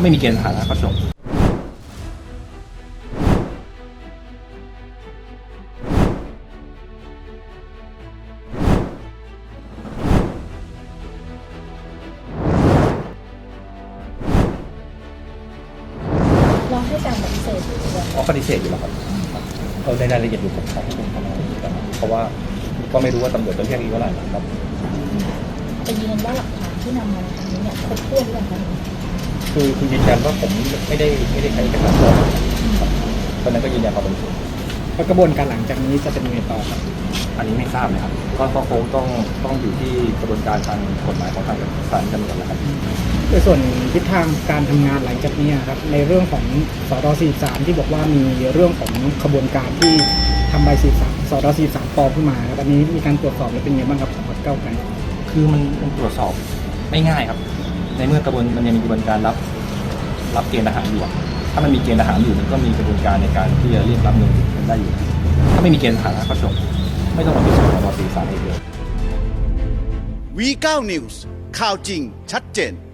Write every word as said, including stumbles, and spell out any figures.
ไม่มีเกณฑ์สถานะก็จบเราให้การปฏิเสธอยู่ด้วยอ๋อปฏิเสธอยู่แล้วครับเราในรายละเอียดอยู่ผมขอให้คุณทนายกันเพราะว่าก็ไม่รู้ว่าตำรวจจะเรียกอีกเท่าไหร่นะครับแต่ยืนยันว่าหลักฐานที่นำมาในครั้งนี้เนี่ยครบถ้วนหรือยังคะคือคือยืนยันว่าผมไม่ได้ไม่ได้ใช้เอกสารปลอมครับเพราะฉะนั้นก็ยืนยันความบริสุทธิ์แล้วกระบวนการหลังจากนี้จะเป็นยังไงต่อครับอันนี้ไม่ทราบเลยครับก็ก็คงต้องต้องอยู่ที่กระบวนการทางกฎหมายของทางศาลกันก่อนนะครับในส่วนทิศทางการทำงานหลังจากนี้ครับในเรื่องของสตสี่สามที่บอกว่ามีเรื่องของขบวนการที่ทำใบสี่สามสตสี่สามปลอมขึ้นมาครับอันนี้มีการตรวจสอบหรือเป็นยังไงบ้างครับของพรรคก้าวไกลคือมันมันตรวจสอบไม่ง่ายครับ ในเมื่อกระบวนมันยังมีกระบวนการรับรับเกณฑ์ทหารอยู่อะถ้ามันมีเกณฑ์ทหารอยู่มันก็มีกระบวนการในการที่จะเรียกรับเงินได้อยู่ ถ้าไม่มีเกณฑ์ทหารก็จบไม่ต้องมาพิสูจน์ต่อตีสารเองเลยวี เก้า News ข่าวจริงชัดเจน